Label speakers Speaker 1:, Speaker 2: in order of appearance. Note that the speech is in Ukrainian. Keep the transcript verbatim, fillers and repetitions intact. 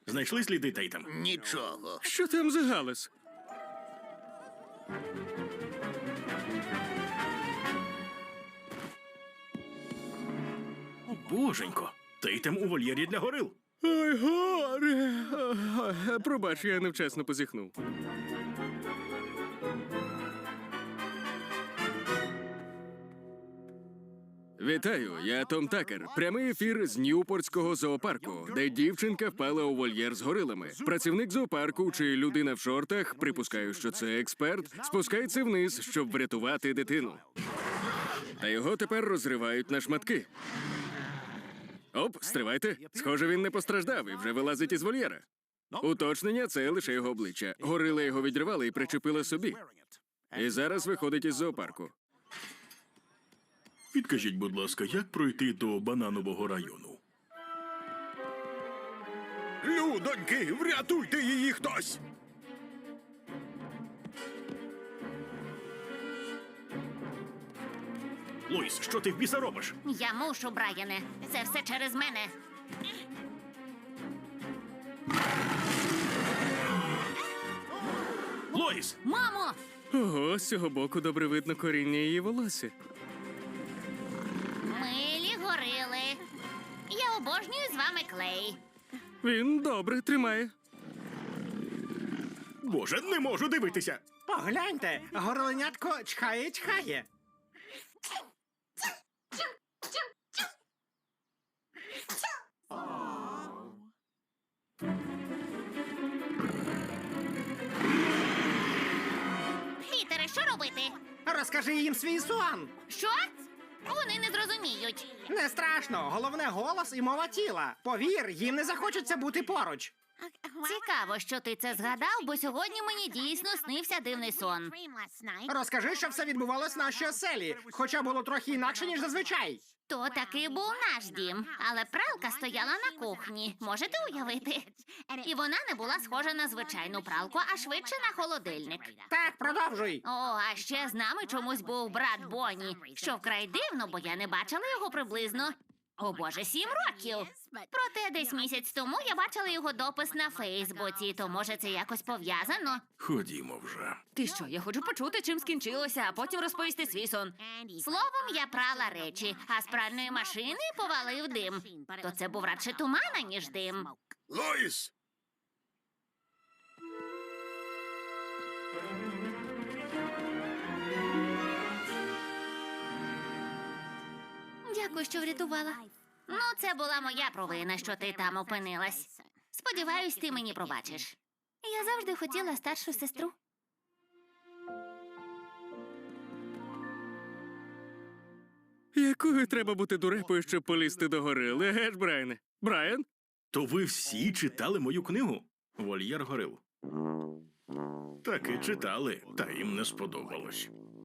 Speaker 1: Знайшли сліди Тейтем?
Speaker 2: Нічого.
Speaker 3: Що там за галас?
Speaker 1: О, боженько. Тейтем у вольєрі для горил.
Speaker 3: Ой, горе! Ой, пробач, я невчасно позіхнув. Вітаю, я Том Такер. Прямий ефір з Ньюпортського зоопарку, де дівчинка впала у вольєр з горилами. Працівник зоопарку чи людина в шортах, припускаю, що це експерт, спускається вниз, щоб врятувати дитину. Та його тепер розривають на шматки. Оп, стривайте. Схоже, він не постраждав і вже вилазить із вольєра. Уточнення – це лише його обличчя. Горила його відривали і причепила собі. І зараз виходить із зоопарку.
Speaker 1: Підкажіть, будь ласка, як пройти до бананового району?
Speaker 2: Людоньки, врятуйте її хтось!
Speaker 1: Лоїс, що ти в біса робиш?
Speaker 4: Я мушу, Брайане. Це все через мене.
Speaker 1: Лоїс!
Speaker 4: Мамо!
Speaker 3: Ого, з цього боку добре видно коріння її волосся.
Speaker 4: Милі горили. Я обожнюю з вами клей.
Speaker 3: Він добре тримає.
Speaker 1: Боже, не можу дивитися!
Speaker 5: Погляньте, горленятко чхає-чхає.
Speaker 4: Пітере, що робити?
Speaker 5: Розкажи їм свій сон.
Speaker 4: Що? Вони не зрозуміють.
Speaker 5: Не страшно, головне голос і мова тіла. Повір, їм не захочеться бути поруч.
Speaker 4: Цікаво, що ти це згадав, бо сьогодні мені дійсно снився дивний сон.
Speaker 5: Розкажи, що все відбувалось в нашій оселі, хоча було трохи інакше, ніж зазвичай.
Speaker 4: То таки був наш дім, але пралка стояла на кухні. Можете уявити? І вона не була схожа на звичайну пралку, а швидше на холодильник.
Speaker 5: Так, продовжуй.
Speaker 4: О, а ще з нами чомусь був брат Бонні, що вкрай дивно, бо я не бачила його приблизно. О боже, сім років. Проте десь місяць тому я бачила його допис на Фейсбуці, то може це якось пов'язано?
Speaker 1: Ходімо вже.
Speaker 4: Ти що, я хочу почути, чим скінчилося, а потім розповісти свій сон. Словом, я прала речі, а з пральної машини повалив дим. То це був радше туман, ніж дим.
Speaker 2: Лоїс!
Speaker 4: Дякую, що врятувала. Ну, це була моя провина, що ти там опинилась. Сподіваюсь, ти мені пробачиш. Я завжди хотіла старшу сестру.
Speaker 3: Якою треба бути дурепою, щоб полізти до горили, еге ж, Брайане? Брайан?
Speaker 1: То ви всі читали мою книгу? Вольєр горил. Так і читали, та їм не сподобалось.